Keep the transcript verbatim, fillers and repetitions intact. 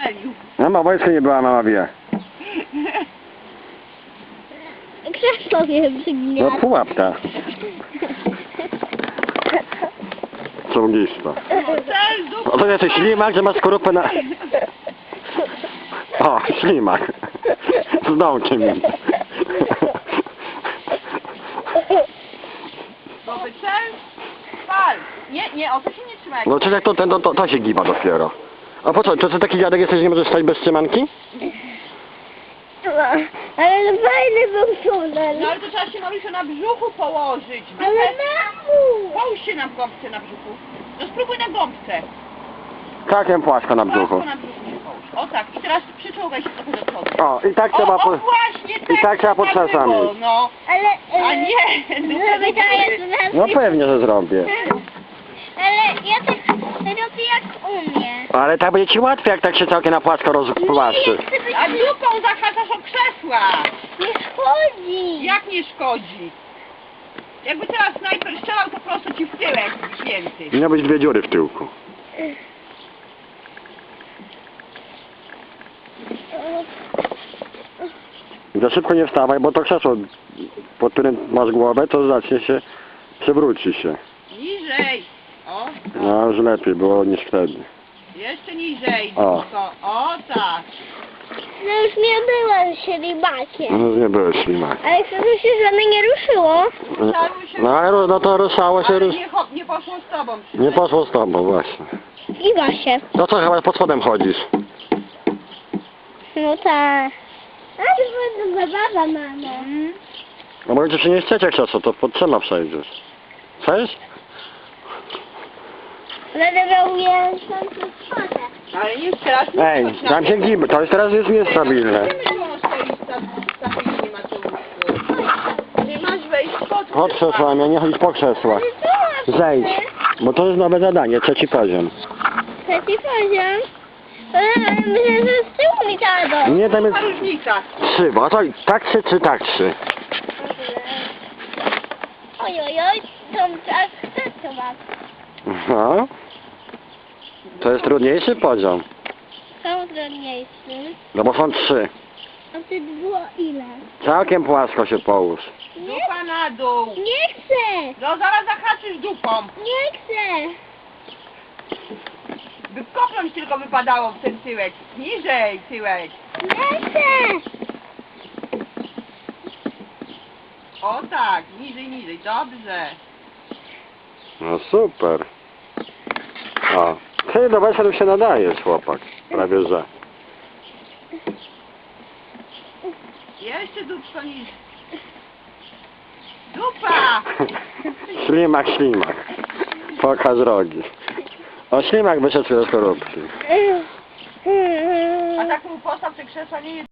strzelił. Mama wojska nie była, mama wie. Krzesło mnie No przygniata. pułapka. Ciągista. Cel, dupa. O, to jesteś ślimak, że masz skorupę na... O, ślimak. Z dołkiem mi. Nowy cel. Pal. Nie, nie, o to się nie trzyma. No czy jak to, ten, to, to, to się giba dopiero. A po co, to ty taki dziadek jesteś, że nie możesz stać bez trzymanki? Ale fajny był tunel. No ale to trzeba się Marysiu na brzuchu położyć. Ale mamu! Połóż się na gąbce na brzuchu. No spróbuj na gąbce. Takiem płasko na brzuchu. Płasko na brzuchu się połóż. O tak, i teraz przyczołgaj się trochę do przodu. O, i tak O, trzeba o po... właśnie, tak, i tak trzeba pod tak czasami. było, no. Ale... A nie, Zrobię to jest No pewnie, że zrobię. Ale ja tak robię jak umiem. Ale tak będzie ci łatwiej, jak tak się całkiem na płasko rozpłaszczy. Nie chcę być... A dupą zahaczasz o krzesła. Nie szkodzi. Jak nie szkodzi? Jakby teraz snajper strzelał, to prosto ci w tyłek święty. Miał być dwie dziury w tyłku. Za szybko nie wstawaj, bo to krzesło, pod którym masz głowę, to zacznie się, przewróci się. Niżej. O, No już lepiej było niż wtedy. jeszcze niżej. O. Tylko. O tak. No już nie byłem ślimakiem. No nie było ślimak. Ale chcę, żeby się żadne nie ruszyło. Ruszały się, No ale ru- no to ruszało się, ale rusz... nie, cho- nie poszło z tobą. nie poszło z tobą właśnie. Zgiba się. No co, chyba pod spodem chodzisz? No tak. A to była zabawa, mamo. Mm. No bo jeśli się nie chcecie krzesło, to pod trzema przejdziesz. Chcesz? Będę miał miesiąc spotę. Ale nie teraz nie Ej, wchodź na tam się giba, to jest teraz jest niestabilne. Wiemy, że on stoi sta- stabilnie, Mateuszu. Ty masz wejść pod Chodź krzesłami, a nie chodź po krzesłach. Ale co? Zejdź, bo to jest nowe zadanie, trzeci poziom. Trzeci poziom. Ale myślę, że z tyłu mi dadzą. Nie, tam jest Ta różnica. trzy, bo to tak trzy czy tak trzy. Oj, oj, oj, to tak chcę chyba. No. To jest trudniejszy poziom, Są trudniejszy. no bo są trzy. A wtedy było ile? Całkiem płasko się połóż. Nie, Dupa na dół. nie chcę! No zaraz zahaczysz dupą. Nie chcę! By kopnąć tylko wypadało w ten tyłek. Niżej tyłek. Nie chcę! O tak, niżej, niżej. Dobrze. No super. O. Ty do weselów się nadajesz, chłopak. Prawie że. Jeszcze dupko niżej. Dupa! Ślimak, ślimak. Pokaż rogi. O, ślimak wyszedł ze skorupki. A tak mu postaw te krzesła nie jest.